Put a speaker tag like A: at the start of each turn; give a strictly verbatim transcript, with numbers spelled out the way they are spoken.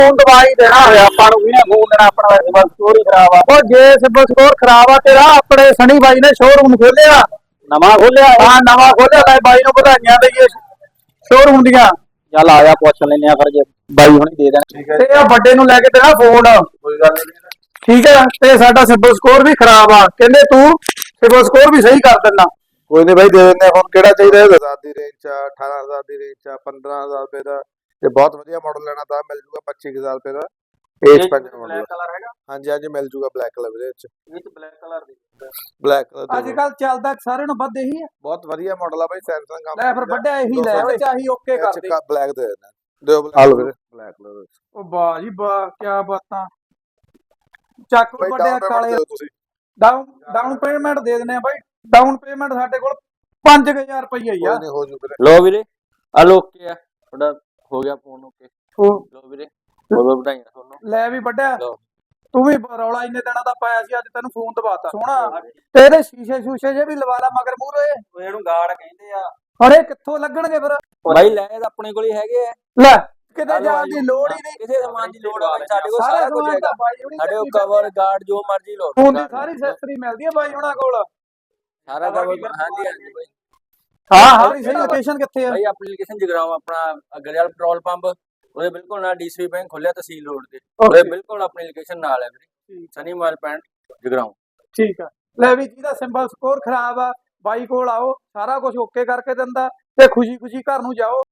A: Phone ਦਵਾਈ ਦੇਣਾ ਹੋਇਆ ਆਪਾਂ ਨੂੰ ਵੀ ਨਾ ਫੋਨ ਦੇਣਾ ਆਪਣਾ ਸਿਬਲ ਸਕੋਰ ਹੀ ਖਰਾਬ ਆ। ਉਹ ਜੇ ਸਿਬਲ ਸਕੋਰ ਖਰਾਬ ਆ ਤੇਰਾ ਆਪਣੇ ਸਣੀ ਬਾਈ ਨੇ ਸ਼ੋਰੂਮ ਖੋਲਿਆ ਨਵਾਂ ਖੋਲਿਆ ਹਾਂ ਨਵਾਂ ਖੋਲਿਆ ਲੈ ਬਾਈ ਨੂੰ ਵਧਾਈਆਂ ਦਈਏ ਸ਼ੋਰੂਮ ਦੀਆਂ। ਚੱਲ ਆ ਜਾ ਪੁੱਛ ਲੈਨੇ ਆ ਫਿਰ ਜੇ ਬਾਈ ਹੁਣੀ ਦੇ ਦੇਣ ਤੇ ਆ ਵੱਡੇ ਨੂੰ ਲੈ ਕੇ ਦੇਣਾ ਫੋਨ ਕੋਈ ਗੱਲ ਨਹੀਂ ਠੀਕ ਹੈ। ਤੇ ਸਾਡਾ ਸਿਬਲ ਸਕੋਰ ਵੀ ਖਰਾਬ ਆ ਕਹਿੰਦੇ ਤੂੰ ਸਿਬਲ ਸਕੋਰ ਵੀ ਸਹੀ ਕਰ ਦਿੰਦਾ।
B: ਕੋਈ ਨਹੀਂ ਬਾਈ ਦੇ ਦਿੰਦੇ ਹੁਣ ਕਿਹੜਾ ਚਾਹੀਦਾ ਦਸ ਹਜ਼ਾਰ ਦੀ ਰੇਂਜ ਚ ਅਠਾਰਾਂ ਹਜ਼ਾਰ ਦੀ ਰੇਂਜ ਚ ਪੰਦਰਾਂ ਹਜ਼ਾਰ ਰੁਪਏ ਦਾ ਤੇ ਬਹੁਤ ਵਧੀਆ ਮਾਡਲ ਲੈਣਾ ਤਾਂ ਮਿਲ ਜੂਗਾ ਪੱਚੀ ਹਜ਼ਾਰ ਰੁਪਏ ਦਾ ਏਜ ਪੰਜ ਮਾਡਲ।
A: ਬਲੈਕ ਕਲਰ ਹੈਗਾ
B: ਹਾਂਜੀ ਹਾਂਜੀ ਮਿਲ ਜੂਗਾ ਬਲੈਕ ਕਲਰ ਦੇ ਵਿੱਚ
A: ਇਹ ਚ ਬਲੈਕ ਕਲਰ ਦੀ
B: ਬਲੈਕ ਕਲਰ
A: ਅੱਜ ਕੱਲ ਚੱਲਦਾ ਸਾਰਿਆਂ ਨੂੰ ਵੱਧ ਇਹੀ ਹੈ।
B: ਬਹੁਤ ਵਧੀਆ ਮਾਡਲ ਆ ਬਾਈ ਸੈਮਸੰਗ ਕੰਪਨੀ
A: ਲੈ ਫਿਰ ਵੱਡਾ ਇਹੀ ਲੈ ਓਏ ਚਾਹੀ ਓਕੇ ਕਰ ਦੇ
B: ਬਲੈਕ ਦੇ ਦੇਣਾ ਦਿਓ ਬਲੈਕ ਬਲੈਕ ਕਲਰ।
A: ਉਹ ਵਾਹ ਜੀ ਵਾਹ ਕੀ ਬਾਤਾਂ ਚੱਕ
B: ਬਾਈ
A: ਵੱਡੇ
B: ਡਾਊਨ
A: ਕਾਲੇ
B: ਪੇਮੈਂਟ ਤੁਸੀਂ
A: ਡਾਊਨ ਡਾਊਨ ਪੇਮੈਂਟ ਦੇ ਦਿੰਦੇ ਆ ਬਾਈ। ਡਾਊਨ ਪੇਮੈਂਟ ਸਾਡੇ ਕੋਲ ਪੰਜ ਹਜ਼ਾਰ ਰੁਪਈਆ ਹੀ ਆ।
B: ਕੋਈ ਨਹੀਂ ਹੋ ਜੂ ਵੀਰੇ
C: ਲੋ ਵੀਰੇ ਆ ਲੋ ਓਕੇ ਆ ਤੁਹਾਡਾ ਹੋ ਗਿਆ ਫੋਨ ਓਕੇ। ਲੋ ਵੀਰੇ ਬਹੁਤ ਵਧਾਈਆਂ ਤੁਹਾਨੂੰ।
A: ਲੈ ਵੀ ਵੱਡਿਆ
C: ਲਓ।
A: ਤੂੰ ਵੀ ਰੌਲਾ ਇੰਨੇ ਦਿਨਾਂ ਦਾ ਪਾਇਆ ਸੀ ਅੱਜ ਤੈਨੂੰ ਫੋਨ ਦਵਾਤਾ ਸੋਹਣਾ ਤੇ ਇਹਦੇ ਸ਼ੀਸ਼ੇ ਸ਼ੂਸ਼ੇ ਜੇ ਵੀ ਲਵਾ ਲਾ ਮਗਰ ਮੂਹਰੇ।
C: ਉਹ ਇਹਨੂੰ ਗਾਰਡ ਕਹਿੰਦੇ ਆ।
A: ਅਰੇ ਕਿੱਥੋਂ ਲੱਗਣਗੇ ਫਿਰ
C: ਬਾਈ ਲੈ ਤਾਂ ਆਪਣੇ ਕੋਲ ਹੀ ਹੈਗੇ ਆ।
A: ਲੈ ਕਿਤੇ ਜਾਣ ਦੀ ਲੋੜ ਹੀ ਨਹੀਂ।
C: ਕਿਸੇ ਸਮਾਨ ਦੀ ਲੋੜ ਹੋਵੇ ਸਾਡੇ ਕੋਲ
A: ਸਾਰਾ
C: ਸਾਰਾ ਕੁਝ
A: ਸਮਾਨ
C: ਹੈਗਾ।
A: ਤਾਂ ਬਾਈ ਹੁਣੀ
C: ਸਾਡੇ ਕੋਲ ਕਵਰ ਗਾਰਡ ਜੋ ਮਰਜ਼ੀ ਲਓ।
A: ਫੋਨ ਦੀ ਸਾਰੀ ਐਕਸੈਸਰੀ ਮਿਲਦੀ ਹੈ ਬਾਈ ਹੁਣਾਂ ਕੋਲ।
C: ਸਾਰਾ ਕਵਰ ਹਾਂਜੀ ਹਾਂਜੀ ਬਾਈ।
A: ਹਾਂ ਹਾਂ ਸਹੀ ਲੋਕੇਸ਼ਨ ਕਿੱਥੇ ਆ
C: ਬਾਈ ਐਪਲੀਕੇਸ਼ਨ ਜਗਰਾਉਂ ਆਪਣਾ ਅਗਰਵਾਲ ਪੈਟਰੋਲ ਪੰਪ ਉਹਦੇ ਬਿਲਕੁਲ ਨਾਲ ਡੀਸੀ ਬੈਂਕ ਖੋਲਿਆ ਤਹਿਸੀਲ ਰੋਡ ਤੇ ਉਹਦੇ ਬਿਲਕੁਲ ਆਪਣੀ ਲੋਕੇਸ਼ਨ ਨਾਲ ਹੈ ਵੀਰੇ ਸਨੀ ਮਾਲ ਪੈਂਟ ਜਗਰਾਉਂ।
A: ਠੀਕ ਆ ਲੈ ਵੀ ਜਿਹਦਾ ਸਿੰਬਲ ਸਕੋਰ ਖਰਾਬ ਆ ਬਾਈ ਕੋਲ ਆਓ ਸਾਰਾ ਕੁਝ ਓਕੇ ਕਰਕੇ ਦਿੰਦਾ ਤੇ ਖੁਸ਼ੀ ਖੁਸ਼ੀ ਘਰ ਨੂੰ ਜਾਓ।